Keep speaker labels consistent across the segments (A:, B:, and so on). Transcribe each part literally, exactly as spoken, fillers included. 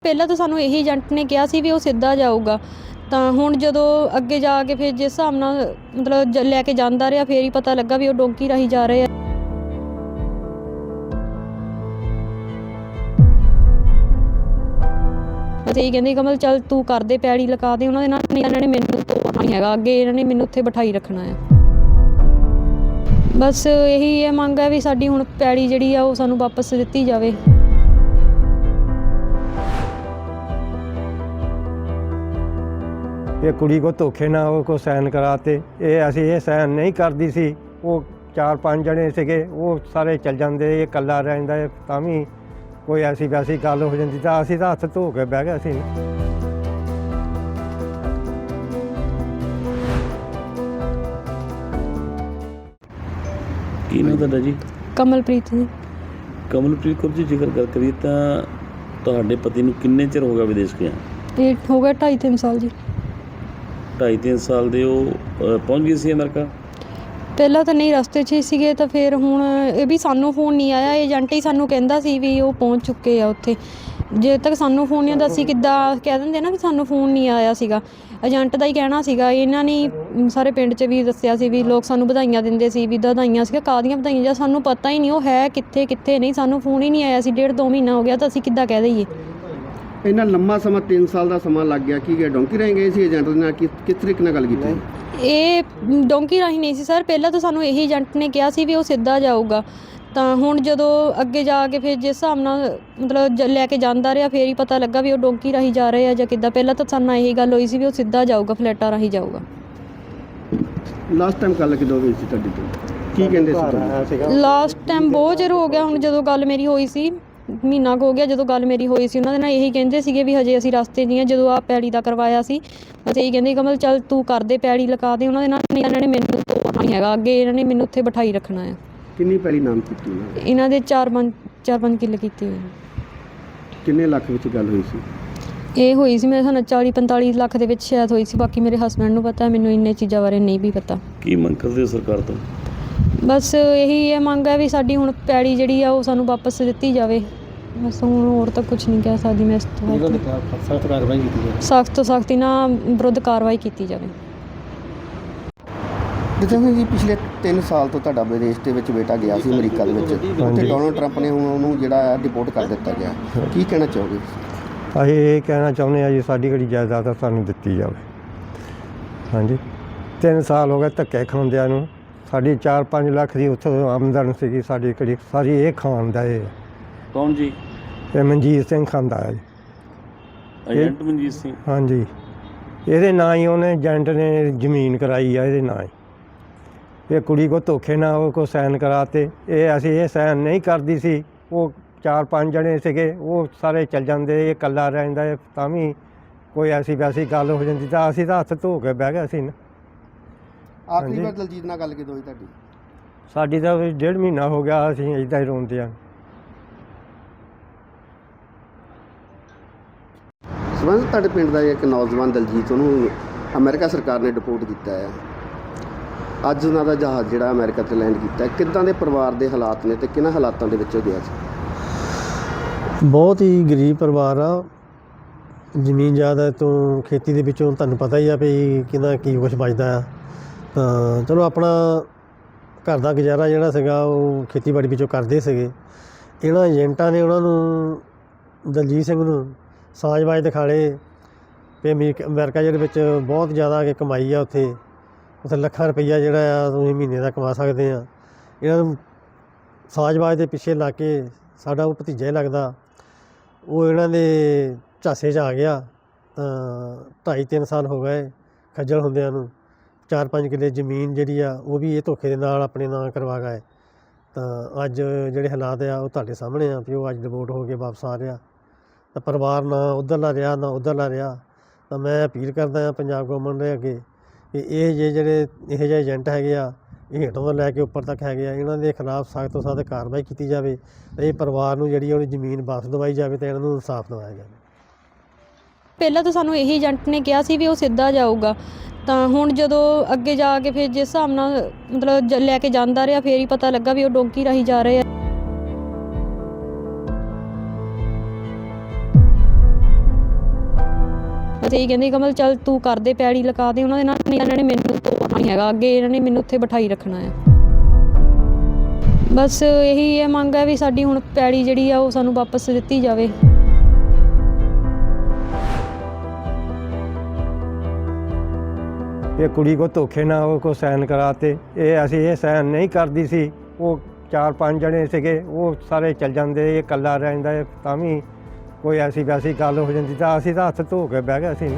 A: ਪਹਿਲਾਂ ਤਾਂ ਸਾਨੂੰ ਇਹੀ ਏਜੰਟ ਨੇ ਕਿਹਾ ਸੀ ਵੀ ਉਹ ਸਿੱਧਾ ਜਾਊਗਾ, ਤਾਂ ਹੁਣ ਜਦੋਂ ਅੱਗੇ ਜਾ ਕੇ ਫਿਰ ਜਿਸ ਹਿਸਾਬ ਨਾਲ ਮਤਲਬ ਜ- ਲੈ ਕੇ ਜਾਂਦਾ ਰਿਹਾ, ਫੇਰ ਹੀ ਪਤਾ ਲੱਗਾ ਵੀ ਉਹ ਡੋਂਕੀ ਰਾਹੀਂ ਜਾ ਰਹੇ ਆ। ਅਸੀਂ ਇਹ ਕਹਿੰਦੇ ਕਮਲ ਚੱਲ ਤੂੰ ਕਰਦੇ ਪੈੜੀ ਲਗਾ ਦੇ ਉਹਨਾਂ ਦੇ ਨਾਲ, ਨਹੀਂ ਇਹਨਾਂ ਨੇ ਮੈਨੂੰ ਤੋੜਨਾ ਨਹੀਂ ਹੈਗਾ, ਅੱਗੇ ਇਹਨਾਂ ਨੇ ਮੈਨੂੰ ਉੱਥੇ ਬਿਠਾਈ ਰੱਖਣਾ ਆ। ਬਸ ਇਹੀ ਇਹ ਮੰਗ ਹੈ ਵੀ ਸਾਡੀ ਹੁਣ ਪੈੜੀ ਜਿਹੜੀ ਆ ਉਹ ਸਾਨੂੰ ਵਾਪਸ ਦਿੱਤੀ ਜਾਵੇ।
B: ये कुड़ी को धोखे ना वो को साइन कराते, ये असी ये साइन नहीं करती सी। वो चार पाँच जने सीगे, वो सारे चल जाते, ये कला रहिंदा तां भी कोई ऐसी वैसी गल हो जाती तां असी तां हत्थ धो के बह गए सी।
C: ਕੀ ਨਾਮ ਤੁਹਾਡਾ ਜੀ?
A: ਕਮਲਪ੍ਰੀਤ ਜੀ।
C: ਕਮਲਪ੍ਰੀਤ ਕੌਰ ਜੀ, ਜ਼ਿਕਰ ਗੱਲ ਕਰੀਏ ਤਾਂ ਤੁਹਾਡੇ ਪਤੀ ਨੂੰ ਕਿੰਨੇ ਚਿਰ ਹੋ ਗਿਆ ਵਿਦੇਸ਼ ਗਿਆ?
A: ਇਹ ਹੋ ਗਿਆ ਢਾਈ ਤਿੰਨ ਸਾਲ ਜੀ।
C: ਢਾਈ ਤਿੰਨ ਸਾਲ ਦੇ ਉਹ ਅ, ਪਹੁੰਚ ਗਏ ਸੀ ਅਮਰੀਕਾ?
A: ਪਹਿਲਾਂ ਤਾਂ ਨਹੀਂ, ਰਸਤੇ 'ਚ ਹੀ ਸੀਗੇ, ਤਾਂ ਫਿਰ ਹੁਣ ਇਹ ਵੀ ਸਾਨੂੰ ਫੋਨ ਨਹੀਂ ਆਇਆ, ਏਜੰਟ ਹੀ ਸਾਨੂੰ ਕਹਿੰਦਾ ਸੀ ਵੀ ਉਹ ਪਹੁੰਚ ਚੁੱਕੇ ਆ ਉੱਥੇ। ਜੇ ਤੱਕ ਸਾਨੂੰ ਫੋਨ ਨਹੀਂ ਆਉਂਦਾ ਅਸੀਂ ਕਿੱਦਾਂ ਕਹਿ ਦਿੰਦੇ ਨਾ ਵੀ ਸਾਨੂੰ ਫੋਨ ਨਹੀਂ ਆਇਆ ਸੀਗਾ, ਏਜੰਟ ਦਾ ਹੀ ਕਹਿਣਾ ਸੀਗਾ। ਇਹਨਾਂ ਨੇ ਸਾਰੇ ਪਿੰਡ 'ਚ ਵੀ ਦੱਸਿਆ ਸੀ ਵੀ ਲੋਕ ਸਾਨੂੰ ਵਧਾਈਆਂ ਦਿੰਦੇ ਸੀ ਵੀ ਵਧਾਈਆਂ ਸੀਗਾ, ਕਾਹਦੀਆਂ ਵਧਾਈਆਂ, ਜਾਂ ਸਾਨੂੰ ਪਤਾ ਹੀ ਨਹੀਂ ਉਹ ਹੈ ਕਿੱਥੇ ਕਿੱਥੇ ਨਹੀਂ, ਸਾਨੂੰ ਫੋਨ ਹੀ ਨਹੀਂ ਆਇਆ ਸੀ। ਡੇਢ ਦੋ ਮਹੀਨਾ ਹੋ ਗਿਆ, ਤਾਂ ਅਸੀਂ ਕਿੱਦਾਂ ਕਹਿ ਦਈਏ।
D: ਇੰਨਾ ਲੰਮਾ ਸਮਾਂ ਤਿੰਨ ਸਾਲ ਦਾ ਸਮਾਂ ਲੱਗ ਗਿਆ। ਕੀ ਗਿਆ ਡੋਂਕੀ ਰਾਹੀਂ ਗਏ ਸੀ ਏਜੰਟ ਦੇ ਨਾਲ? ਕਿਸ ਕਿਸ ਤਰੀਕੇ ਨਾਲ ਗੱਲ ਕੀਤੀ?
A: ਇਹ ਡੋਂਕੀ ਰਾਹੀਂ ਨਹੀਂ ਸੀ ਸਰ, ਪਹਿਲਾਂ ਤਾਂ ਸਾਨੂੰ ਇਹੀ ਏਜੰਟ ਨੇ ਕਿਹਾ ਸੀ ਵੀ ਉਹ ਸਿੱਧਾ ਜਾਊਗਾ, ਤਾਂ ਹੁਣ ਜਦੋਂ ਅੱਗੇ ਜਾ ਕੇ ਫਿਰ ਜਿਸ ਹਿਸਾਬ ਨਾਲ ਮਤਲਬ ਜ- ਲੈ ਕੇ ਜਾਂਦਾ ਰਿਹਾ, ਫੇਰ ਹੀ ਪਤਾ ਲੱਗਾ ਵੀ ਉਹ ਡੋਂਕੀ ਰਾਹੀਂ ਜਾ ਰਹੇ ਆ ਜਾਂ ਕਿੱਦਾਂ। ਪਹਿਲਾਂ ਤਾਂ ਸਾਨੂੰ ਇਹੀ ਗੱਲ ਹੋਈ ਸੀ ਵੀ ਉਹ ਸਿੱਧਾ ਜਾਊਗਾ, ਫਲੈਟਾਂ ਰਾਹੀਂ ਜਾਊਗਾ।
D: ਲਾਸਟ ਟਾਈਮ ਗੱਲ ਕਿਦੋਂ ਹੋਈ ਸੀ ਤੁਹਾਡੀ ਤੋਂ? ਕੀ ਕਹਿੰਦੇ ਸੀ ਤੁਹਾਨੂੰ?
A: ਲਾਸਟ ਟਾਈਮ ਬਹੁਤ ਚਿਰ ਹੋ ਗਿਆ ਹੁਣ, ਜਦੋਂ ਗੱਲ ਮੇਰੀ ਹੋਈ ਸੀ ਮਹੀਨਾ ਕੁ ਹੋ ਗਿਆ ਜਦੋਂ ਗੱਲ ਮੇਰੀ ਹੋਈ ਸੀ। ਉਹਨਾਂ ਦੇ ਨਾਲ ਇਹੀ ਕਹਿੰਦੇ ਸੀਗੇ ਵੀ ਹਜੇ ਅਸੀਂ ਰਸਤੇ ਨਹੀਂ ਆ। ਜਦੋਂ ਆਹ ਪੈੜੀ ਦਾ ਕਰਵਾਇਆ ਸੀ ਅਸੀਂ ਇਹੀ ਕਹਿੰਦੇ ਕਮਲ ਚੱਲ ਤੂੰ ਕਰਦੇ ਪੈੜੀ ਲਗਾ ਦੇ ਉਹਨਾਂ ਦੇ ਨਾਲ, ਨਹੀਂ ਇਹਨਾਂ ਨੇ ਮੈਨੂੰ ਤੋੜਨਾ ਨਹੀਂ ਹੈਗਾ, ਅੱਗੇ ਇਹਨਾਂ ਨੇ ਮੈਨੂੰ ਉੱਥੇ ਬਿਠਾਈ ਰੱਖਣਾ ਆ।
D: ਕਿੰਨੀ ਪਹਿਲੀ ਨਾਮ ਕੀਤੀ ਉਹਨਾਂ ਨੇ?
A: ਇਹਨਾਂ ਦੇ ਚਾਰ ਪੰਜ ਚਾਰ ਪੰਜ ਕਿੱਲੇ ਕੀਤੇ ਹੋਏ ਨੇ।
D: ਕਿੰਨੇ ਲੱਖ ਵਿੱਚ ਗੱਲ ਹੋਈ ਸੀ?
A: ਇਹ ਹੋਈ ਸੀ ਮੇਰੇ ਸਾਨੂੰ ਚਾਲੀ ਪੰਤਾਲੀ ਲੱਖ ਦੇ ਵਿੱਚ ਸ਼ਾਇਦ ਹੋਈ ਸੀ, ਬਾਕੀ ਮੇਰੇ ਹਸਬੈਂਡ ਨੂੰ ਪਤਾ, ਮੈਨੂੰ ਇੰਨੇ ਚੀਜ਼ਾਂ ਬਾਰੇ ਨਹੀਂ ਵੀ ਪਤਾ।
C: ਕੀ ਮੰਗ ਕਰਦੇ ਹੋ ਸਰਕਾਰ ਤੋਂ?
A: ਬਸ ਇਹੀ ਇਹ ਮੰਗ ਹੈ ਵੀ ਸਾਡੀ ਹੁਣ ਪੈੜੀ ਜਿਹੜੀ ਆ ਉਹ ਸਾਨੂੰ ਵਾਪਸ ਦਿੱਤੀ ਜਾਵੇ। ਬਸ ਹੁਣ ਹੋਰ ਤਾਂ ਕੁਝ ਨਹੀਂ ਕਹਿ ਸਕਦੀ ਮੈਂ ਇਸ ਤੋਂ।
D: ਸਖਤ ਕਾਰਵਾਈ ਕੀਤੀ ਜਾਵੇ।
A: ਸਖਤ ਤੋਂ ਸਖਤੀ ਨਾਲ ਵਿਰੁੱਧ ਕਾਰਵਾਈ ਕੀਤੀ ਜਾਵੇ।
D: ਜਿੱਦਾਂ ਜੀ ਪਿਛਲੇ ਤਿੰਨ ਸਾਲ ਤੋਂ ਤੁਹਾਡਾ ਵਿਦੇਸ਼ ਦੇ ਵਿੱਚ ਬੇਟਾ ਗਿਆ ਸੀ ਅਮਰੀਕਾ ਦੇ ਵਿੱਚ, ਉੱਥੇ ਡੋਨਲਡ ਟਰੰਪ ਨੇ ਹੁਣ ਉਹਨੂੰ ਜਿਹੜਾ ਡਿਪੋਰਟ ਕਰ ਦਿੱਤਾ ਗਿਆ, ਕੀ ਕਹਿਣਾ ਚਾਹੋਗੇ?
B: ਅਸੀਂ ਇਹ ਕਹਿਣਾ ਚਾਹੁੰਦੇ ਹਾਂ ਜੀ ਸਾਡੀ ਜਿਹੜੀ ਜਾਇਦਾਦ ਆ ਸਾਨੂੰ ਦਿੱਤੀ ਜਾਵੇ। ਹਾਂਜੀ, ਤਿੰਨ ਸਾਲ ਹੋ ਗਏ ਧੱਕੇ ਖਾਂਦਿਆਂ ਨੂੰ। ਸਾਡੀ ਚਾਰ ਪੰਜ ਲੱਖ ਦੀ ਉੱਥੋਂ ਆਮਦਨ ਸੀਗੀ, ਸਾਡੀ ਕਿਹੜੀ ਸਾਰੀ ਇਹ ਖਾਂਦਾ ਇਹ
C: ਕੌਣ ਜੀ?
B: ਇਹ ਮਨਜੀਤ ਸਿੰਘ ਖਾਂਦਾ ਹੈ ਜੀ।
C: ਏਜੰਟ ਮਨਜੀਤ ਸਿੰਘ?
B: ਹਾਂਜੀ, ਇਹਦੇ ਨਾਂ ਹੀ ਉਹਨੇ ਏਜੰਟ ਨੇ ਜ਼ਮੀਨ ਕਰਾਈ ਆ, ਇਹਦੇ ਨਾਂ ਹੀ। ਇਹ ਕੁੜੀ ਕੋ ਧੋਖੇ ਨਾਲ ਉਹ ਕੋ ਸਾਈਨ ਕਰਾਤੇ, ਇਹ ਅਸੀਂ ਇਹ ਸਾਈਨ ਨਹੀਂ ਕਰਦੀ ਸੀ। ਉਹ ਚਾਰ ਪੰਜ ਜਣੇ ਸੀਗੇ, ਉਹ ਸਾਰੇ ਚੱਲ ਜਾਂਦੇ, ਇਹ ਇਕੱਲਾ ਰਹਿੰਦਾ ਤਾਂ ਵੀ ਕੋਈ ਐਸੀ ਵੈਸੀ ਗੱਲ ਹੋ ਜਾਂਦੀ ਤਾਂ ਅਸੀਂ ਤਾਂ ਹੱਥ ਧੋ ਕੇ ਬਹਿ ਗਏ ਸੀ ਨਾ।
D: ਆਖਰੀ ਵਾਰ ਦਲਜੀਤ ਨਾਲ ਗੱਲ ਕਿਦੋਂ ਹੋਈ ਤੁਹਾਡੀ?
B: ਸਾਡੀ ਤਾਂ ਵੀ ਡੇਢ ਮਹੀਨਾ ਹੋ ਗਿਆ, ਅਸੀਂ ਇੱਦਾਂ ਹੀ ਰੋਂਦੇ ਹਾਂ।
D: ਸਬੰਧ ਤੁਹਾਡੇ ਪਿੰਡ ਦਾ ਇੱਕ ਨੌਜਵਾਨ ਦਲਜੀਤ, ਉਹਨੂੰ ਅਮਰੀਕਾ ਸਰਕਾਰ ਨੇ ਡਿਪੋਰਟ ਕੀਤਾ ਹੈ। ਅੱਜ ਉਹਨਾਂ ਦਾ ਜਹਾਜ਼ ਜਿਹੜਾ ਅਮਰੀਕਾ 'ਤੇ ਲੈਂਡ ਕੀਤਾ, ਕਿੱਦਾਂ ਦੇ ਪਰਿਵਾਰ ਦੇ ਹਾਲਾਤ ਨੇ ਤੇ ਕਿਹਨਾਂ ਹਾਲਾਤਾਂ ਦੇ ਵਿੱਚ ਉਹ ਗਿਆ ਸੀ?
E: ਬਹੁਤ ਹੀ ਗਰੀਬ ਪਰਿਵਾਰ ਆ। ਜ਼ਮੀਨ ਜਾਇਦਾਦ ਤੋਂ, ਖੇਤੀ ਦੇ ਵਿੱਚੋਂ ਤੁਹਾਨੂੰ ਪਤਾ ਹੀ ਆ ਵੀ ਕਿਹਦਾ ਕੀ ਕੁਛ ਬਚਦਾ ਆ। ਤਾਂ ਚਲੋ ਆਪਣਾ ਘਰ ਦਾ ਗੁਜ਼ਾਰਾ ਜਿਹੜਾ ਸੀਗਾ ਉਹ ਖੇਤੀਬਾੜੀ ਵਿੱਚੋਂ ਕਰਦੇ ਸੀਗੇ। ਇਹਨਾਂ ਏਜੰਟਾਂ ਨੇ ਉਹਨਾਂ ਨੂੰ, ਦਲਜੀਤ ਸਿੰਘ ਨੂੰ ਸਾਜ਼ਬਾਜ਼ ਦਿਖਾਲੇ ਵੀ ਅਮਰੀਕਾ ਅਮਰੀਕਾ ਜਿਹੜੇ ਵਿੱਚ ਬਹੁਤ ਜ਼ਿਆਦਾ ਕਿ ਕਮਾਈ ਆ, ਉੱਥੇ ਉੱਥੇ ਲੱਖਾਂ ਰੁਪਈਆ ਜਿਹੜਾ ਆ ਤੁਸੀਂ ਮਹੀਨੇ ਦਾ ਕਮਾ ਸਕਦੇ ਆ। ਇਹਨਾਂ ਨੂੰ ਸਾਜ਼ਬਾਜ਼ ਦੇ ਪਿੱਛੇ ਲਾ ਕੇ, ਸਾਡਾ ਉਹ ਭਤੀਜਾ ਹੀ ਲੱਗਦਾ, ਉਹ ਇਹਨਾਂ ਦੇ ਝਾਸੇ 'ਚ ਆ ਗਿਆ। ਤਾਂ ਢਾਈ ਤਿੰਨ ਸਾਲ ਹੋ ਗਏ ਖੱਜਲ ਹੁੰਦਿਆਂ ਨੂੰ। ਚਾਰ ਪੰਜ ਕਿੱਲੇ ਜ਼ਮੀਨ ਜਿਹੜੀ ਆ ਉਹ ਵੀ ਇਹ ਧੋਖੇ ਦੇ ਨਾਲ ਆਪਣੇ ਨਾਂ ਕਰਵਾ ਗਏ। ਤਾਂ ਅੱਜ ਜਿਹੜੇ ਹਾਲਾਤ ਆ ਉਹ ਤੁਹਾਡੇ ਸਾਹਮਣੇ ਆ ਵੀ ਉਹ ਅੱਜ ਡਿਵੋਰਟ ਹੋ ਕੇ ਵਾਪਸ ਆ ਰਿਹਾ। ਤਾਂ ਪਰਿਵਾਰ ਨਾ ਉੱਧਰਲਾ ਰਿਹਾ ਨਾ ਉੱਧਰਲਾ ਰਿਹਾ। ਤਾਂ ਮੈਂ ਅਪੀਲ ਕਰਦਾ ਹਾਂ ਪੰਜਾਬ ਗੌਰਮੈਂਟ ਦੇ ਅੱਗੇ ਕਿ ਇਹ ਜੇ ਜਿਹੜੇ ਇਹੋ ਜਿਹੇ ਏਜੰਟ ਹੈਗੇ ਆ, ਇਹ ਹੇਠੋਂ ਤੋਂ ਲੈ ਕੇ ਉੱਪਰ ਤੱਕ ਹੈਗੇ ਆ, ਇਹਨਾਂ ਦੇ ਖਿਲਾਫ ਸਖਤ ਤੋਂ ਸਖਤ ਕਾਰਵਾਈ ਕੀਤੀ ਜਾਵੇ ਅਤੇ ਇਹ ਪਰਿਵਾਰ ਨੂੰ ਜਿਹੜੀ ਉਹਦੀ ਜ਼ਮੀਨ ਵਾਪਸ ਦਵਾਈ ਜਾਵੇ ਅਤੇ ਇਹਨਾਂ ਨੂੰ ਇਨਸਾਫ ਦਿਵਾਇਆ ਜਾਵੇ।
A: ਪਹਿਲਾਂ ਤਾਂ ਸਾਨੂੰ ਇਹੀ ਏਜੰਟ ਨੇ ਕਿਹਾ ਸੀ ਵੀ ਉਹ ਸਿੱਧਾ ਜਾਊਗਾ, ਤਾਂ ਹੁਣ ਜਦੋਂ ਅੱਗੇ ਜਾ ਕੇ ਫਿਰ ਜਿਸ ਹਿਸਾਬ ਨਾਲ ਮਤਲਬ ਜ- ਲੈ ਕੇ ਜਾਂਦਾ ਰਿਹਾ, ਫੇਰ ਹੀ ਪਤਾ ਲੱਗਾ ਵੀ ਉਹ ਡੋਂਕੀ ਰਾਹੀਂ ਜਾ ਰਹੇ ਆ। ਬਸ ਇਹੀ ਕਹਿੰਦੇ ਕਮਲ ਚੱਲ ਤੂੰ ਕਰਦੇ ਪੈੜੀ ਲਗਾ ਦੇ ਉਹਨਾਂ ਦੇ ਨਾਲ, ਨਹੀਂ ਇਹਨਾਂ ਨੇ ਮੈਨੂੰ ਤੋੜਨਾ ਨਹੀਂ ਹੈਗਾ, ਅੱਗੇ ਇਹਨਾਂ ਨੇ ਮੈਨੂੰ ਉੱਥੇ ਬਿਠਾਈ ਰੱਖਣਾ ਆ। ਬਸ ਇਹੀ ਇਹ ਮੰਗ ਹੈ ਵੀ ਸਾਡੀ ਹੁਣ ਪੈੜੀ ਜਿਹੜੀ ਆ ਉਹ ਸਾਨੂੰ ਵਾਪਸ ਦਿੱਤੀ ਜਾਵੇ।
B: ਇਹ ਕੁੜੀ ਕੋ ਧੋਖੇ ਨਾਲ ਉਹ ਕੋ ਸਾਈਨ ਕਰਾਤੇ, ਇਹ ਅਸੀਂ ਇਹ ਸਾਈਨ ਨਹੀਂ ਕਰਦੀ ਸੀ। ਉਹ ਚਾਰ ਪੰਜ ਜਣੇ ਸੀਗੇ, ਉਹ ਸਾਰੇ ਚੱਲ ਜਾਂਦੇ, ਇਹ ਇਕੱਲਾ ਰਹਿੰਦਾ ਹੈ, ਤਾਂ ਵੀ ਕੋਈ ਐਸੀ ਵੈਸੀ ਗੱਲ ਹੋ ਜਾਂਦੀ ਤਾਂ ਅਸੀਂ ਤਾਂ ਹੱਥ ਧੋ ਕੇ ਬਹਿ ਗਏ ਸੀ।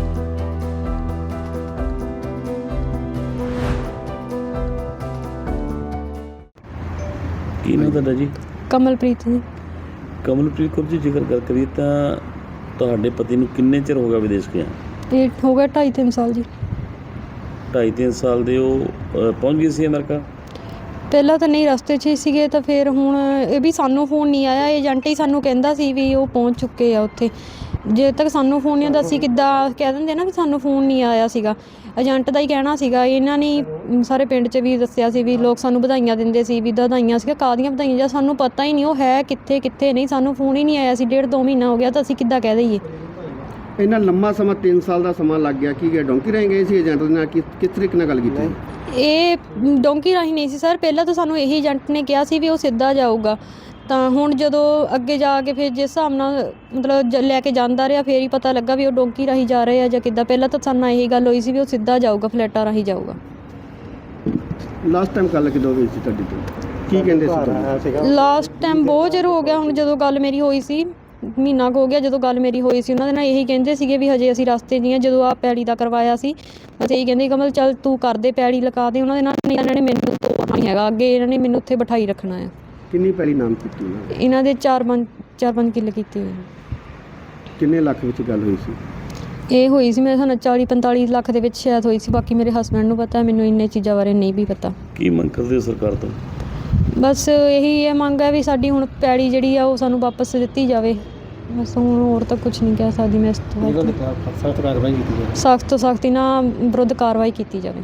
C: ਕੀ ਨਾਮ ਤੁਹਾਡਾ ਜੀ?
A: ਕਮਲਪ੍ਰੀਤ ਜੀ।
C: ਕਮਲਪ੍ਰੀਤ ਕੌਰ ਜੀ, ਜ਼ਿਕਰ ਗੱਲ ਕਰੀਏ ਤਾਂ ਤੁਹਾਡੇ ਪਤੀ ਨੂੰ ਕਿੰਨੇ ਚਿਰ ਹੋ ਗਿਆ ਵਿਦੇਸ਼ ਗਿਆ?
A: ਇਹ ਹੋ ਗਿਆ ਢਾਈ ਤਿੰਨ ਸਾਲ ਜੀ।
C: ਢਾਈ ਤਿੰਨ ਸਾਲ ਦੇ ਉਹ ਅ, ਪਹੁੰਚ ਗਏ ਸੀ ਅਮਰੀਕਾ?
A: ਪਹਿਲਾਂ ਤਾਂ ਨਹੀਂ ਰਸਤੇ 'ਚ ਹੀ ਸੀਗੇ, ਤਾਂ ਫਿਰ ਹੁਣ ਇਹ ਵੀ ਸਾਨੂੰ ਫੋਨ ਨਹੀਂ ਆਇਆ, ਏਜੰਟ ਹੀ ਸਾਨੂੰ ਕਹਿੰਦਾ ਸੀ ਵੀ ਉਹ ਪਹੁੰਚ ਚੁੱਕੇ ਆ ਉੱਥੇ। ਜੇ ਤੱਕ ਸਾਨੂੰ ਫੋਨ ਨਹੀਂ ਆਉਂਦਾ ਅਸੀਂ ਕਿੱਦਾਂ ਕਹਿ ਦਿੰਦੇ ਨਾ ਵੀ ਸਾਨੂੰ ਫੋਨ ਨਹੀਂ ਆਇਆ ਸੀਗਾ, ਏਜੰਟ ਦਾ ਹੀ ਕਹਿਣਾ ਸੀਗਾ। ਇਹਨਾਂ ਨੇ ਸਾਰੇ ਪਿੰਡ 'ਚ ਵੀ ਦੱਸਿਆ ਸੀ ਵੀ ਲੋਕ ਸਾਨੂੰ ਵਧਾਈਆਂ ਦਿੰਦੇ ਸੀ ਵੀ ਵਧਾਈਆਂ ਸੀਗਾ, ਕਾਹਦੀਆਂ ਵਧਾਈਆਂ, ਜਾਂ ਸਾਨੂੰ ਪਤਾ ਹੀ ਨਹੀਂ ਉਹ ਹੈ ਕਿੱਥੇ ਕਿੱਥੇ ਨਹੀਂ, ਸਾਨੂੰ ਫੋਨ ਹੀ ਨਹੀਂ ਆਇਆ ਸੀ। ਡੇਢ ਦੋ ਮਹੀਨਾ ਹੋ ਗਿਆ ਤਾਂ ਅਸੀਂ ਕਿੱਦਾਂ ਕਹਿ ਦਈਏ।
D: ਇੰਨਾ ਲੰਮਾ ਸਮਾਂ ਤਿੰਨ ਸਾਲ ਦਾ ਸਮਾਂ ਲੱਗ ਗਿਆ, ਕੀ ਗਿਆ ਡੋਂਕੀ ਰਹਿ ਗਏ ਸੀ ਏਜੰਟ ਦੇ ਨਾਲ, ਕਿਸ ਕਿਸ ਤਰੀਕੇ ਨਾਲ ਗੱਲ ਕੀਤੀ?
A: ਇਹ ਡੋਂਕੀ ਰਾਹੀਂ ਨਹੀਂ ਸੀ ਸਰ, ਪਹਿਲਾਂ ਤਾਂ ਸਾਨੂੰ ਇਹੀ ਏਜੰਟ ਨੇ ਕਿਹਾ ਸੀ ਵੀ ਉਹ ਸਿੱਧਾ ਜਾਊਗਾ। ਤਾਂ ਹੁਣ ਜਦੋਂ ਅੱਗੇ ਜਾ ਕੇ ਫਿਰ ਜਿਸ ਹਿਸਾਬ ਨਾਲ ਮਤਲਬ ਜ- ਲੈ ਕੇ ਜਾਂਦਾ ਰਿਹਾ, ਫਿਰ ਹੀ ਪਤਾ ਲੱਗਾ ਵੀ ਉਹ ਡੋਂਕੀ ਰਾਹੀਂ ਜਾ ਰਹੇ ਆ ਜਾਂ ਕਿੱਦਾਂ। ਪਹਿਲਾਂ ਤਾਂ ਸਾਨੂੰ ਇਹੀ ਗੱਲ ਹੋਈ ਸੀ ਵੀ ਉਹ ਸਿੱਧਾ ਜਾਊਗਾ, ਫਲੈਟਾਂ ਰਾਹੀਂ ਜਾਊਗਾ।
D: ਲਾਸਟ ਟਾਈਮ ਗੱਲ ਕਿਦੋਂ ਹੋਈ ਸੀ ਤੁਹਾਡੀ ਤੋਂ? ਕੀ ਕਹਿੰਦੇ ਸੀ ਤੁਹਾਨੂੰ?
A: ਲਾਸਟ ਟਾਈਮ ਬਹੁਤ ਚਿਰ ਹੋ ਗਿਆ, ਹੁਣ ਜਦੋਂ ਗੱਲ ਮੇਰੀ ਹੋਈ ਸੀ ਮਹੀਨਾ ਕੁ ਹੋ ਗਿਆ ਜਦੋਂ ਗੱਲ ਮੇਰੀ ਹੋਈ ਸੀ, ਉਹਨਾਂ ਦੇ ਨਾਲ ਇਹੀ ਕਹਿੰਦੇ ਸੀਗੇ ਵੀ ਹਜੇ ਅਸੀਂ ਰਸਤੇ 'ਚ ਹੀ ਹਾਂ। ਜਦੋਂ ਆ ਪੈੜੀ ਦਾ ਕਰਵਾਇਆ ਸੀ ਬਸ ਇਹੀ ਕਹਿੰਦੇ ਕਮਲ ਚੱਲ ਤੂੰ ਕਰਦੇ ਪੈੜੀ ਲਗਾ ਦੇ ਉਹਨਾਂ ਦੇ ਨਾਲ, ਨਹੀਂ ਇਹਨਾਂ ਨੇ ਮੈਨੂੰ ਤੋੜਨਾ ਨਹੀਂ ਹੈਗਾ, ਅੱਗੇ ਇਹਨਾਂ ਨੇ ਮੈਨੂੰ ਉੱਥੇ ਬਿਠਾਈ ਰੱਖਣਾ ਆ।
D: ਕਿੰਨੀ ਪਹਿਲੀ ਨਾਮ ਕੀਤੀ ਉਹਨਾਂ ਨੇ?
A: ਇਹਨਾਂ ਦੇ ਚਾਰ ਪੰਜ ਚਾਰ ਪੰਜ ਕਿੱਲੇ ਕੀਤੇ ਹੋਏ।
D: ਕਿੰਨੇ ਲੱਖ ਵਿੱਚ ਗੱਲ ਹੋਈ ਸੀ?
A: ਇਹ ਹੋਈ ਸੀ ਮੇਰੇ ਸਾਨੂੰ ਚਾਲੀ ਪੰਤਾਲੀ ਲੱਖ ਦੇ ਵਿੱਚ ਸ਼ਾਇਦ ਹੋਈ ਸੀ, ਬਾਕੀ ਮੇਰੇ ਹਸਬੈਂਡ ਨੂੰ ਪਤਾ, ਮੈਨੂੰ ਇੰਨੇ ਚੀਜ਼ਾਂ ਬਾਰੇ ਨਹੀਂ ਵੀ ਪਤਾ।
C: ਕੀ ਮੰਗ ਕਰਦੇ ਹੋ ਸਰਕਾਰ ਤੋਂ?
A: ਬਸ ਇਹੀ ਇਹ ਮੰਗ ਹੈ ਵੀ ਸਾਡੀ ਹੁਣ ਪੈੜੀ ਜਿਹੜੀ ਆ ਉਹ ਸਾਨੂੰ ਵਾਪਸ ਦਿੱਤੀ ਜਾਵੇ। ਬਸ ਹੁਣ ਹੋਰ ਤਾਂ ਕੁਝ ਨਹੀਂ ਕਹਿ ਸਕਦੀ ਮੈਂ ਇਸ ਤੋਂ ਵੱਧ।
E: ਸਖਤ ਕਾਰਵਾਈ ਕੀਤੀ ਜਾਵੇ।
A: ਸਖਤ ਤੋਂ ਸਖਤ ਇਹਨਾਂ ਵਿਰੁੱਧ ਕਾਰਵਾਈ ਕੀਤੀ ਜਾਵੇ।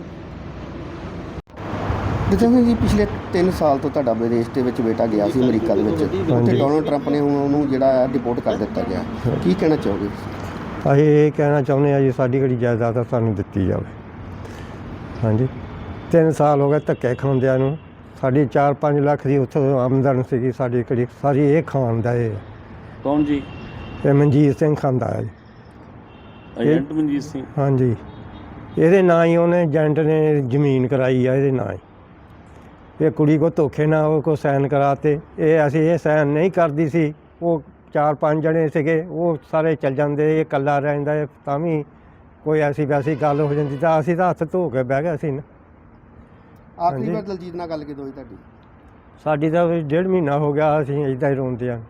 D: ਜਿੱਥੇ ਜੀ ਪਿਛਲੇ ਤਿੰਨ ਸਾਲ ਤੋਂ ਤੁਹਾਡਾ ਵਿਦੇਸ਼ ਦੇ ਵਿੱਚ ਬੇਟਾ ਗਿਆ ਸੀ ਅਮਰੀਕਾ ਦੇ ਵਿੱਚ, ਉੱਥੇ ਡੋਨਲਡ ਟਰੰਪ ਨੇ ਹੁਣ ਉਹਨੂੰ ਜਿਹੜਾ ਡਿਪੋਰਟ ਕਰ ਦਿੱਤਾ ਗਿਆ, ਕੀ ਕਹਿਣਾ ਚਾਹੋਗੇ?
B: ਅਸੀਂ ਇਹ ਕਹਿਣਾ ਚਾਹੁੰਦੇ ਹਾਂ ਜੀ ਸਾਡੀ ਜਿਹੜੀ ਜਾਇਦਾਦ ਆ ਸਾਨੂੰ ਦਿੱਤੀ ਜਾਵੇ। ਹਾਂਜੀ, ਤਿੰਨ ਸਾਲ ਹੋ ਗਏ ਧੱਕੇ ਖਾਂਦਿਆਂ ਨੂੰ। ਸਾਡੀ ਚਾਰ ਪੰਜ ਲੱਖ ਦੀ ਉੱਥੋਂ ਆਮਦਨ ਸੀਗੀ, ਸਾਡੀ ਕਿਹੜੀ ਸਾਰੀ ਇਹ ਖਾਣ ਦਾ ਇਹ
C: ਕੌਣ ਜੀ?
B: ਇਹ ਮਨਜੀਤ ਸਿੰਘ ਖਾਂਦਾ ਹੈ ਜੀ।
C: ਏਜੰਟ ਮਨਜੀਤ ਸਿੰਘ?
B: ਹਾਂਜੀ, ਇਹਦੇ ਨਾਂ ਹੀ ਉਹਨੇ ਏਜੰਟ ਨੇ ਜ਼ਮੀਨ ਕਰਾਈ ਆ, ਇਹਦੇ ਨਾਂ ਹੀ। ਇਹ ਕੁੜੀ ਕੋ ਧੋਖੇ ਨਾਲ ਉਹ ਕੋ ਸਾਈਨ ਕਰਾਤੇ, ਇਹ ਅਸੀਂ ਇਹ ਸਾਈਨ ਨਹੀਂ ਕਰਦੀ ਸੀ। ਉਹ ਚਾਰ ਪੰਜ ਜਣੇ ਸੀਗੇ, ਉਹ ਸਾਰੇ ਚੱਲ ਜਾਂਦੇ, ਇਹ ਇਕੱਲਾ ਰਹਿੰਦਾ ਹੈ, ਤਾਂ ਵੀ ਕੋਈ ਐਸੀ ਵੈਸੀ ਗੱਲ ਹੋ ਜਾਂਦੀ ਤਾਂ ਅਸੀਂ ਤਾਂ ਹੱਥ ਧੋ ਕੇ ਬਹਿ ਗਏ ਸੀ ਨਾ।
D: ਆਖਰੀ ਵਾਰ ਦਲਜੀਤ ਨਾਲ ਗੱਲ ਕਿਦੋਂ ਹੋਈ ਤੁਹਾਡੀ?
B: ਸਾਡੀ ਤਾਂ ਵੀ ਡੇਢ ਮਹੀਨਾ ਹੋ ਗਿਆ, ਅਸੀਂ ਇੱਦਾਂ ਹੀ ਰੋਂਦੇ ਹਾਂ।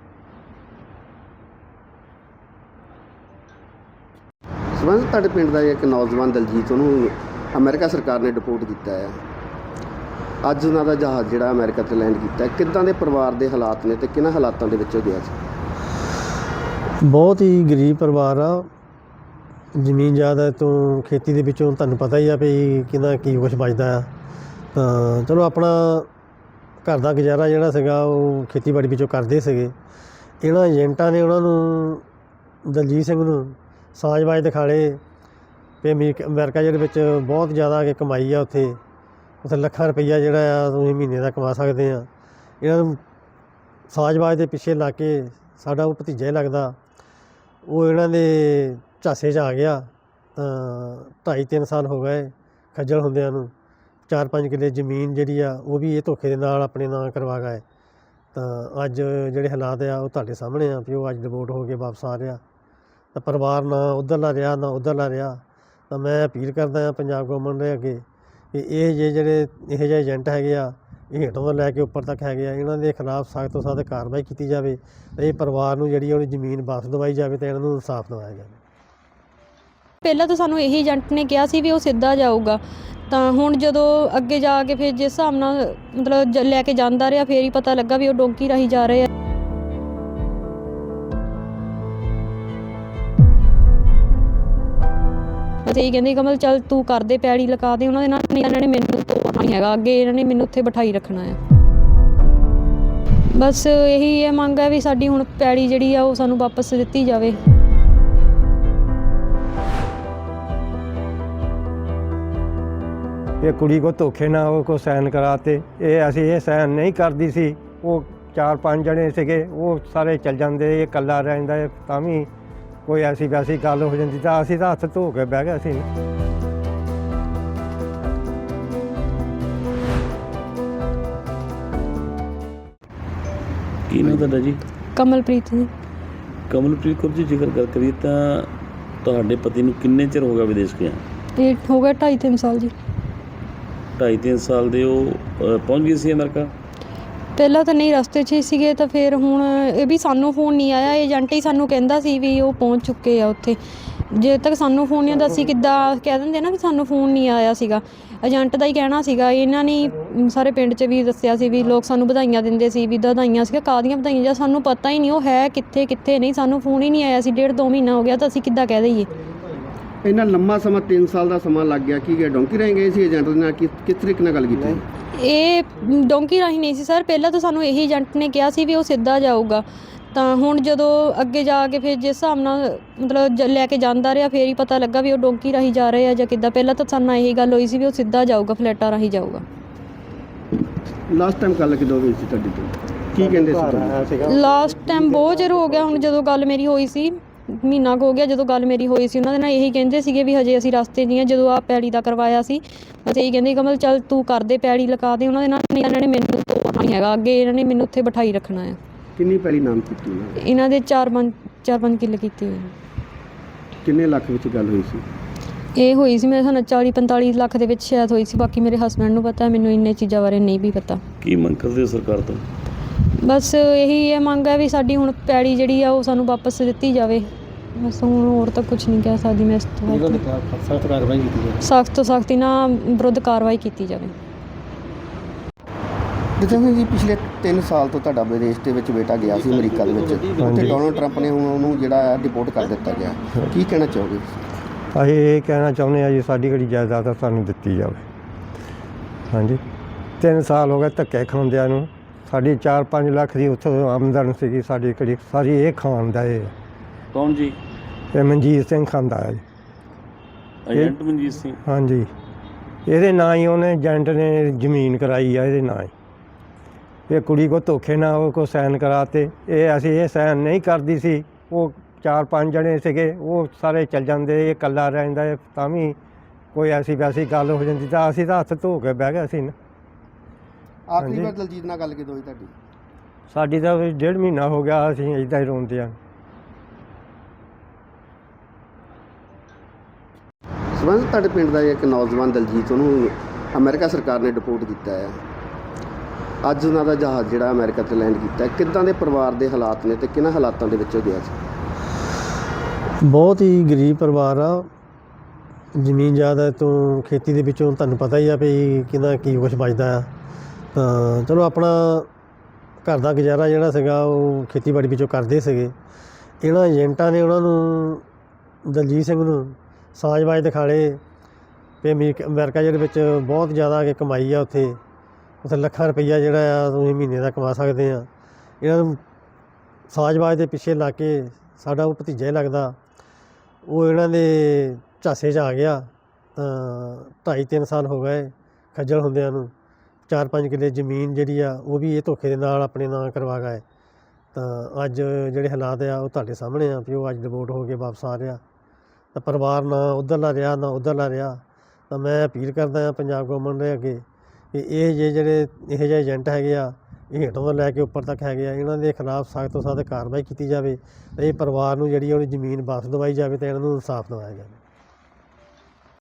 D: ਸਬੰਧ ਤੁਹਾਡੇ ਪਿੰਡ ਦਾ ਇੱਕ ਨੌਜਵਾਨ ਦਲਜੀਤ, ਉਹਨੂੰ ਅਮਰੀਕਾ ਸਰਕਾਰ ਨੇ ਡਿਪੋਰਟ ਕੀਤਾ ਹੈ। ਅੱਜ ਉਹਨਾਂ ਦਾ ਜਹਾਜ਼ ਜਿਹੜਾ ਅਮਰੀਕਾ 'ਤੇ ਲੈਂਡ ਕੀਤਾ, ਕਿੱਦਾਂ ਦੇ ਪਰਿਵਾਰ ਦੇ ਹਾਲਾਤ ਨੇ ਤੇ ਕਿਹਨਾਂ ਹਾਲਾਤਾਂ ਦੇ ਵਿੱਚ ਉਹ ਗਿਆ ਸੀ?
E: ਬਹੁਤ ਹੀ ਗਰੀਬ ਪਰਿਵਾਰ ਆ। ਜ਼ਮੀਨ ਜਾਇਦਾਦ ਤੋਂ ਖੇਤੀ ਦੇ ਵਿੱਚੋਂ ਤੁਹਾਨੂੰ ਪਤਾ ਹੀ ਆ ਵੀ ਕਿੰਨਾ ਕੀ ਕੁਛ ਬਚਦਾ ਆ। ਤਾਂ ਚਲੋ ਆਪਣਾ ਘਰ ਦਾ ਗੁਜ਼ਾਰਾ ਜਿਹੜਾ ਸੀਗਾ ਉਹ ਖੇਤੀਬਾੜੀ ਵਿੱਚੋਂ ਕਰਦੇ ਸੀਗੇ। ਇਹਨਾਂ ਏਜੰਟਾਂ ਨੇ ਉਹਨਾਂ ਨੂੰ ਦਲਜੀਤ ਸਿੰਘ ਨੂੰ ਸਾਜ਼ਬਾਜ਼ ਦਿਖਾਲੇ ਵੀ ਅਮਰੀਕਾ ਅਮਰੀਕਾ ਜਿਹੜੇ ਵਿੱਚ ਬਹੁਤ ਜ਼ਿਆਦਾ ਕਿ ਕਮਾਈ ਆ, ਉੱਥੇ ਉੱਥੇ ਲੱਖਾਂ ਰੁਪਈਆ ਜਿਹੜਾ ਆ ਤੁਸੀਂ ਮਹੀਨੇ ਦਾ ਕਮਾ ਸਕਦੇ ਆ। ਇਹਨਾਂ ਨੂੰ ਸਾਜ਼ਬਾਜ਼ ਦੇ ਪਿੱਛੇ ਲਾ ਕੇ ਸਾਡਾ ਉਹ ਭਤੀਜਾ ਹੀ ਲੱਗਦਾ, ਉਹ ਇਹਨਾਂ ਦੇ ਝਾਸੇ 'ਚ ਆ ਗਿਆ। ਤਾਂ ਢਾਈ ਤਿੰਨ ਸਾਲ ਹੋ ਗਏ ਖੱਜਲ ਹੁੰਦਿਆਂ ਨੂੰ। ਚਾਰ ਪੰਜ ਕਿੱਲੇ ਜ਼ਮੀਨ ਜਿਹੜੀ ਆ ਉਹ ਵੀ ਇਹ ਧੋਖੇ ਦੇ ਨਾਲ ਆਪਣੇ ਨਾਂ ਕਰਵਾ ਗਏ। ਤਾਂ ਅੱਜ ਜਿਹੜੇ ਹਾਲਾਤ ਆ ਉਹ ਤੁਹਾਡੇ ਸਾਹਮਣੇ ਆ ਵੀ ਉਹ ਅੱਜ ਡਿਵੋਰਟ ਹੋ ਕੇ ਵਾਪਸ ਆ ਰਿਹਾ। ਤਾਂ ਪਰਿਵਾਰ ਨਾ ਉੱਧਰਲਾ ਰਿਹਾ ਨਾ ਉੱਧਰਲਾ ਰਿਹਾ। ਤਾਂ ਮੈਂ ਅਪੀਲ ਕਰਦਾ ਹਾਂ ਪੰਜਾਬ ਗੌਰਮੈਂਟ ਦੇ ਅੱਗੇ ਕਿ ਇਹ ਜੇ ਜਿਹੜੇ ਇਹੋ ਜਿਹੇ ਏਜੰਟ ਹੈਗੇ ਆ, ਇਹ ਹੇਠੋਂ ਤੋਂ ਲੈ ਕੇ ਉੱਪਰ ਤੱਕ ਹੈਗੇ ਆ, ਇਹਨਾਂ ਦੇ ਖਿਲਾਫ ਸਖਤ ਤੋਂ ਸਖਤ ਕਾਰਵਾਈ ਕੀਤੀ ਜਾਵੇ ਅਤੇ ਇਹ ਪਰਿਵਾਰ ਨੂੰ ਜਿਹੜੀ ਉਹਦੀ ਜ਼ਮੀਨ ਵਾਪਸ ਦਵਾਈ ਜਾਵੇ ਅਤੇ ਇਹਨਾਂ ਨੂੰ ਇਨਸਾਫ ਦਿਵਾਇਆ ਜਾਵੇ।
A: ਪਹਿਲਾਂ ਤਾਂ ਸਾਨੂੰ ਇਹੀ ਏਜੰਟ ਨੇ ਕਿਹਾ ਸੀ ਵੀ ਉਹ ਸਿੱਧਾ ਜਾਊਗਾ। ਤਾਂ ਹੁਣ ਜਦੋਂ ਅੱਗੇ ਜਾ ਕੇ ਫਿਰ ਜਿਸ ਹਿਸਾਬ ਨਾਲ ਮਤਲਬ ਜ- ਲੈ ਕੇ ਜਾਂਦਾ ਰਿਹਾ, ਫਿਰ ਹੀ ਪਤਾ ਲੱਗਾ ਵੀ ਉਹ ਡੋਂਕੀ ਰਾਹੀਂ ਜਾ ਰਹੇ ਆ। ਬਸ ਇਹੀ ਕਹਿੰਦੇ ਕਮਲ ਚੱਲ ਤੂੰ ਕਰਦੇ ਪੈੜੀ ਲਗਾ ਦੇ ਉਹਨਾਂ ਦੇ ਨਾਲ, ਨਹੀਂ ਇਹਨਾਂ ਨੇ ਮੈਨੂੰ ਤੋੜਨਾ ਨਹੀਂ ਹੈਗਾ, ਅੱਗੇ ਇਹਨਾਂ ਨੇ ਮੈਨੂੰ ਉੱਥੇ ਬਿਠਾਈ ਰੱਖਣਾ ਆ। ਬਸ ਇਹੀ ਇਹ ਮੰਗ ਹੈ ਵੀ ਸਾਡੀ ਹੁਣ ਪੈੜੀ ਜਿਹੜੀ ਆ ਉਹ ਸਾਨੂੰ ਵਾਪਸ ਦਿੱਤੀ ਜਾਵੇ।
B: ਇਹ ਕੁੜੀ ਕੋ ਧੋਖੇ ਨਾਲ ਉਹ ਕੋ ਸਾਈਨ ਕਰਾਤੇ। ਇਹ ਅਸੀਂ ਇਹ ਸਾਈਨ ਨਹੀਂ ਕਰਦੀ ਸੀ। ਉਹ ਚਾਰ ਪੰਜ ਜਣੇ ਸੀਗੇ, ਉਹ ਸਾਰੇ ਚੱਲ ਜਾਂਦੇ, ਇਹ ਇਕੱਲਾ ਰਹਿੰਦਾ। ਇਹ ਤਾਂ ਵੀ ਕੋਈ ਐਸੀ ਵੈਸੀ ਗੱਲ ਹੋ ਜਾਂਦੀ ਤਾਂ ਅਸੀਂ ਤਾਂ ਹੱਥ ਧੋ ਕੇ ਬਹਿ ਗਏ ਸੀ।
C: ਕੀ ਨਾਮ ਤੁਹਾਡਾ ਜੀ?
A: ਕਮਲਪ੍ਰੀਤ ਜੀ।
C: ਕਮਲਪ੍ਰੀਤ ਕੌਰ ਜੀ, ਜ਼ਿਕਰ ਗੱਲ ਕਰੀਏ ਤਾਂ ਤੁਹਾਡੇ ਪਤੀ ਨੂੰ ਕਿੰਨੇ ਚਿਰ ਹੋ ਗਿਆ ਵਿਦੇਸ਼ ਗਿਆ?
A: ਇਹ ਹੋ ਗਿਆ ਢਾਈ ਤਿੰਨ ਸਾਲ ਜੀ।
C: ਢਾਈ ਤਿੰਨ ਸਾਲ ਦੇ ਉਹ ਅ, ਪਹੁੰਚ ਗਏ ਸੀ ਅਮਰੀਕਾ?
A: ਪਹਿਲਾਂ ਤਾਂ ਨਹੀਂ, ਰਸਤੇ 'ਚ ਹੀ ਸੀਗੇ, ਤਾਂ ਫਿਰ ਹੁਣ ਇਹ ਵੀ ਸਾਨੂੰ ਫੋਨ ਨਹੀਂ ਆਇਆ। ਏਜੰਟ ਹੀ ਸਾਨੂੰ ਕਹਿੰਦਾ ਸੀ ਵੀ ਉਹ ਪਹੁੰਚ ਚੁੱਕੇ ਆ ਉੱਥੇ। ਜੇ ਤੱਕ ਸਾਨੂੰ ਫੋਨ ਨਹੀਂ ਆਉਂਦਾ, ਅਸੀਂ ਕਿੱਦਾਂ ਕਹਿ ਦਿੰਦੇ ਨਾ ਵੀ ਸਾਨੂੰ ਫੋਨ ਨਹੀਂ ਆਇਆ ਸੀਗਾ। ਏਜੰਟ ਦਾ ਹੀ ਕਹਿਣਾ ਸੀਗਾ। ਇਹਨਾਂ ਨੇ ਸਾਰੇ ਪਿੰਡ 'ਚ ਵੀ ਦੱਸਿਆ ਸੀ ਵੀ ਲੋਕ ਸਾਨੂੰ ਵਧਾਈਆਂ ਦਿੰਦੇ ਸੀ ਵੀ ਵਧਾਈਆਂ ਸੀਗਾ, ਕਾਹਦੀਆਂ ਵਧਾਈਆਂ, ਜਾਂ ਸਾਨੂੰ ਪਤਾ ਹੀ ਨਹੀਂ ਉਹ ਹੈ ਕਿੱਥੇ ਕਿੱਥੇ ਨਹੀਂ। ਸਾਨੂੰ ਫੋਨ ਹੀ ਨਹੀਂ ਆਇਆ ਸੀ, ਡੇਢ ਦੋ ਮਹੀਨਾ ਹੋ ਗਿਆ, ਤਾਂ ਅਸੀਂ ਕਿੱਦਾਂ ਕਹਿ ਦਈਏ।
D: ਇੰਨਾ ਲੰਮਾ ਸਮਾਂ ਤਿੰਨ ਸਾਲ ਦਾ ਸਮਾਂ ਲੱਗ ਗਿਆ। ਕੀ ਗਿਆ ਡੋਂਕੀ ਰਾਹੀਂ ਗਏ ਸੀ ਏਜੰਟ ਦੇ ਨਾਲ? ਕਿਸ ਕਿਸ ਤਰੀਕੇ ਨਾਲ ਗੱਲ ਕੀਤੀ?
A: ਇਹ ਡੋਂਕੀ ਰਾਹੀਂ ਨਹੀਂ ਸੀ ਸਰ। ਪਹਿਲਾਂ ਤਾਂ ਸਾਨੂੰ ਇਹੀ ਏਜੰਟ ਨੇ ਕਿਹਾ ਸੀ ਵੀ ਉਹ ਸਿੱਧਾ ਜਾਊਗਾ। ਤਾਂ ਹੁਣ ਜਦੋਂ ਅੱਗੇ ਜਾ ਕੇ ਫਿਰ ਜਿਸ ਹਿਸਾਬ ਨਾਲ ਮਤਲਬ ਜ- ਲੈ ਕੇ ਜਾਂਦਾ ਰਿਹਾ, ਫਿਰ ਹੀ ਪਤਾ ਲੱਗਾ ਵੀ ਉਹ ਡੋਂਕੀ ਰਾਹੀਂ ਜਾ ਰਹੇ ਆ ਜਾਂ ਕਿੱਦਾਂ। ਪਹਿਲਾਂ ਤਾਂ ਸਾਨੂੰ ਇਹੀ ਗੱਲ ਹੋਈ ਸੀ ਵੀ ਉਹ ਸਿੱਧਾ ਜਾਊਗਾ, ਫਲੈਟਾਂ ਰਾਹੀਂ ਜਾਊਗਾ।
D: ਲਾਸਟ ਟਾਈਮ ਗੱਲ ਕਿਦੋਂ ਹੋਈ ਸੀ ਤੁਹਾਡੀ ਤੋਂ? ਕੀ ਕਹਿੰਦੇ ਸੀ ਤੁਹਾਨੂੰ?
A: ਲਾਸਟ ਟਾਈਮ ਬਹੁਤ ਚਿਰ ਹੋ ਗਿਆ ਹੁਣ, ਜਦੋਂ ਗੱਲ ਮੇਰੀ ਹੋਈ ਸੀ ਮਹੀਨਾ ਕੁ ਹੋ ਗਿਆ ਜਦੋਂ ਗੱਲ ਮੇਰੀ ਹੋਈ ਸੀ। ਉਹਨਾਂ ਦੇ ਨਾਲ ਇਹੀ ਕਹਿੰਦੇ ਸੀਗੇ ਵੀ ਹਜੇ ਅਸੀਂ ਰਸਤੇ 'ਚ ਹੀ ਹਾਂ। ਜਦੋਂ ਆ ਪੈੜੀ ਦਾ ਕਰਵਾਇਆ ਸੀ ਅਸੀਂ ਇਹੀ ਕਹਿੰਦੇ ਕਮਲ ਚੱਲ ਤੂੰ ਕਰਦੇ, ਪੈੜੀ ਲਗਾ ਦੇ। ਉਹਨਾਂ ਦੇ ਨਾਲ ਨਹੀਂ, ਇਹਨਾਂ ਨੇ ਮੈਨੂੰ ਤੋੜਨਾ ਨਹੀਂ ਹੈਗਾ, ਅੱਗੇ ਇਹਨਾਂ ਨੇ ਮੈਨੂੰ ਉੱਥੇ ਬਿਠਾਈ ਰੱਖਣਾ ਹੈ।
D: ਕਿੰਨੀ ਪਹਿਲੀ ਨਾਮ ਕੀਤੀ ਉਹਨਾਂ ਨੇ?
A: ਇਹਨਾਂ ਦੇ ਚਾਰ ਪੰਜ ਚਾਰ ਪੰਜ ਕਿੱਲੇ ਕੀਤੇ ਹੋਏ ਨੇ।
D: ਕਿੰਨੇ ਲੱਖ ਵਿੱਚ ਗੱਲ ਹੋਈ ਸੀ?
A: ਇਹ ਹੋਈ ਸੀ ਮੇਰੇ ਹਿਸਾਬ ਨਾਲ ਚਾਲੀ ਪੰਤਾਲੀ ਲੱਖ ਦੇ ਵਿੱਚ ਸ਼ਾਇਦ ਹੋਈ ਸੀ। ਬਾਕੀ ਮੇਰੇ ਹਸਬੈਂਡ ਨੂੰ ਪਤਾ, ਮੈਨੂੰ ਇੰਨੇ ਚੀਜ਼ਾਂ ਬਾਰੇ ਨਹੀਂ ਵੀ ਪਤਾ।
C: ਕੀ ਮੰਗ ਕਰਦੇ ਹੋ ਸਰਕਾਰ ਤੋਂ?
A: ਬਸ ਇਹੀ ਇਹ ਮੰਗ ਹੈ ਵੀ ਸਾਡੀ ਹੁਣ ਪੈੜੀ ਜਿਹੜੀ ਆ ਉਹ ਸਾਨੂੰ ਵਾਪਸ ਦਿੱਤੀ ਜਾਵੇ। ਬਸ ਹੁਣ ਹੋਰ ਤਾਂ ਕੁਝ ਨਹੀਂ ਕਹਿ ਸਕਦੀ ਮੈਂ ਇਸ ਤੋਂ।
E: ਸਖਤ ਕਾਰਵਾਈ ਕੀਤੀ ਜਾਵੇ।
A: ਸਖਤ ਤੋਂ ਸਖਤ ਇਹਨਾਂ ਵਿਰੁੱਧ ਕਾਰਵਾਈ ਕੀਤੀ ਜਾਵੇ।
D: ਜਿੱਥੇ ਜੀ ਪਿਛਲੇ ਤਿੰਨ ਸਾਲ ਤੋਂ ਤੁਹਾਡਾ ਵਿਦੇਸ਼ ਦੇ ਵਿੱਚ ਬੇਟਾ ਗਿਆ ਸੀ ਅਮਰੀਕਾ ਦੇ ਵਿੱਚ, ਉੱਥੇ ਡੋਨਲਡ ਟਰੰਪ ਨੇ ਹੁਣ ਉਹਨੂੰ ਜਿਹੜਾ ਡਿਪੋਰਟ ਕਰ ਦਿੱਤਾ ਗਿਆ। ਕੀ ਕਹਿਣਾ ਚਾਹੋਗੇ?
B: ਅਸੀਂ ਇਹ ਕਹਿਣਾ ਚਾਹੁੰਦੇ ਹਾਂ ਜੀ, ਸਾਡੀ ਜਿਹੜੀ ਜਾਇਦਾਦ ਆ ਸਾਨੂੰ ਦਿੱਤੀ ਜਾਵੇ। ਹਾਂਜੀ, ਤਿੰਨ ਸਾਲ ਹੋ ਗਏ ਧੱਕੇ ਖਾਂਦਿਆਂ ਨੂੰ। ਸਾਡੀ ਚਾਰ ਪੰਜ ਲੱਖ ਦੀ ਉੱਥੋਂ ਆਮਦਨ ਸੀਗੀ, ਸਾਡੀ ਕਿਹੜੀ ਸਾਰੀ ਇਹ ਖਾਣ ਦਾ। ਇਹ
C: ਕੌਣ ਜੀ?
B: ਇਹ ਮਨਜੀਤ ਸਿੰਘ ਖਾਂਦਾ ਹੈ ਜੀ।
C: ਏਜੰਟ ਮਨਜੀਤ ਸਿੰਘ?
B: ਹਾਂਜੀ, ਇਹਦੇ ਨਾਂ ਹੀ ਉਹਨੇ ਏਜੰਟ ਨੇ ਜ਼ਮੀਨ ਕਰਾਈ ਆ, ਇਹਦੇ ਨਾਂ ਹੀ। ਇਹ ਕੁੜੀ ਕੋ ਧੋਖੇ ਨਾਲ ਉਹ ਕੋ ਸਾਈਨ ਕਰਾਤੇ। ਇਹ ਅਸੀਂ ਇਹ ਸਾਈਨ ਨਹੀਂ ਕਰਦੀ ਸੀ। ਉਹ ਚਾਰ ਪੰਜ ਜਣੇ ਸੀਗੇ, ਉਹ ਸਾਰੇ ਚੱਲ ਜਾਂਦੇ, ਇਹ ਇਕੱਲਾ ਰਹਿੰਦਾ। ਇਹ ਤਾਂ ਵੀ ਕੋਈ ਐਸੀ ਵੈਸੀ ਗੱਲ ਹੋ ਜਾਂਦੀ ਤਾਂ ਅਸੀਂ ਤਾਂ ਹੱਥ ਧੋ ਕੇ ਬਹਿ ਗਏ ਸੀ ਨਾ।
D: ਆਖਰੀ
B: ਹਾਂਜੀ।
D: ਵਾਰ ਦਲਜੀਤ ਨਾਲ ਗੱਲ ਕਿਦੋਂ ਹੋਈ ਤੁਹਾਡੀ?
B: ਸਾਡੀ ਤਾਂ ਵੀ ਡੇਢ ਮਹੀਨਾ ਹੋ ਗਿਆ, ਅਸੀਂ ਇੱਦਾਂ ਹੀ ਰੋਂਦੇ ਹਾਂ।
D: ਸਬੰਧ ਤੁਹਾਡੇ ਪਿੰਡ ਦਾ ਇੱਕ ਨੌਜਵਾਨ ਦਲਜੀਤ, ਉਹਨੂੰ ਅਮਰੀਕਾ ਸਰਕਾਰ ਨੇ ਡਿਪੋਰਟ ਕੀਤਾ ਹੈ। ਅੱਜ ਉਹਨਾਂ ਦਾ ਜਹਾਜ਼ ਜਿਹੜਾ ਅਮਰੀਕਾ 'ਤੇ ਲੈਂਡ ਕੀਤਾ ਹੈ। ਕਿੱਦਾਂ ਦੇ ਪਰਿਵਾਰ ਦੇ ਹਾਲਾਤ ਨੇ ਤੇ ਕਿਹਨਾਂ ਹਾਲਾਤਾਂ ਦੇ ਵਿੱਚ ਉਹ ਗਿਆ ਸੀ?
E: ਬਹੁਤ ਹੀ ਗਰੀਬ ਪਰਿਵਾਰ ਆ। ਜ਼ਮੀਨ ਜਾਇਦਾਦ ਤੋਂ ਖੇਤੀ ਦੇ ਵਿੱਚੋਂ ਤੁਹਾਨੂੰ ਪਤਾ ਹੀ ਆ ਵੀ ਕਿੰਨਾ ਕੀ ਕੁਛ ਬਚਦਾ ਆ। ਤਾਂ ਚਲੋ ਆਪਣਾ ਘਰ ਦਾ ਗੁਜ਼ਾਰਾ ਜਿਹੜਾ ਸੀਗਾ ਉਹ ਖੇਤੀਬਾੜੀ ਵਿੱਚੋਂ ਕਰਦੇ ਸੀਗੇ। ਇਹਨਾਂ ਏਜੰਟਾਂ ਨੇ ਉਹਨਾਂ ਨੂੰ, ਦਲਜੀਤ ਸਿੰਘ ਨੂੰ ਸਾਜ਼ਬਾਜ਼ ਦਿਖਾਲੇ ਵੀ ਅਮਰੀਕਾ ਅਮਰੀਕਾ ਜਿਹੜੇ ਵਿੱਚ ਬਹੁਤ ਜ਼ਿਆਦਾ ਕਿ ਕਮਾਈ ਆ। ਉੱਥੇ ਉੱਥੇ ਲੱਖਾਂ ਰੁਪਈਆ ਜਿਹੜਾ ਆ ਤੁਸੀਂ ਮਹੀਨੇ ਦਾ ਕਮਾ ਸਕਦੇ ਆ। ਇਹਨਾਂ ਨੂੰ ਸਾਜ਼ਬਾਜ਼ ਦੇ ਪਿੱਛੇ ਲਾ ਕੇ ਸਾਡਾ ਉਹ ਭਤੀਜਾ ਹੀ ਲੱਗਦਾ, ਉਹ ਇਹਨਾਂ ਦੇ ਝਾਸੇ 'ਚ ਆ ਗਿਆ। ਤਾਂ ਢਾਈ ਤਿੰਨ ਸਾਲ ਹੋ ਗਏ ਖੱਜਲ ਹੁੰਦਿਆਂ ਨੂੰ। ਚਾਰ ਪੰਜ ਕਿੱਲੇ ਜ਼ਮੀਨ ਜਿਹੜੀ ਆ ਉਹ ਵੀ ਇਹ ਧੋਖੇ ਦੇ ਨਾਲ ਆਪਣੇ ਨਾਂ ਕਰਵਾ ਗਏ। ਤਾਂ ਅੱਜ ਜਿਹੜੇ ਹਾਲਾਤ ਆ ਉਹ ਤੁਹਾਡੇ ਸਾਹਮਣੇ ਆ ਵੀ ਉਹ ਅੱਜ ਡਿਵੋਰਟ ਹੋ ਕੇ ਵਾਪਸ ਆ ਰਿਹਾ। ਤਾਂ ਪਰਿਵਾਰ ਨਾ ਉੱਧਰਲਾ ਰਿਹਾ ਨਾ ਉੱਧਰਲਾ ਰਿਹਾ। ਤਾਂ ਮੈਂ ਅਪੀਲ ਕਰਦਾ ਹਾਂ ਪੰਜਾਬ ਗੌਰਮੈਂਟ ਦੇ ਅੱਗੇ ਕਿ ਇਹ ਜੇ ਜਿਹੜੇ ਇਹੋ ਜਿਹੇ ਏਜੰਟ ਹੈਗੇ ਆ, ਇਹ ਹੇਠੋਂ ਤੋਂ ਲੈ ਕੇ ਉੱਪਰ ਤੱਕ ਹੈਗੇ ਆ, ਇਹਨਾਂ ਦੇ ਖਿਲਾਫ ਸਖਤ ਤੋਂ ਸਖਤ ਕਾਰਵਾਈ ਕੀਤੀ ਜਾਵੇ। ਅਤੇ ਇਹ ਪਰਿਵਾਰ ਨੂੰ ਜਿਹੜੀ ਉਹਦੀ ਜ਼ਮੀਨ ਵਾਪਸ ਦਵਾਈ ਜਾਵੇ ਅਤੇ ਇਹਨਾਂ ਨੂੰ ਇਨਸਾਫ ਦਿਵਾਇਆ ਜਾਵੇ।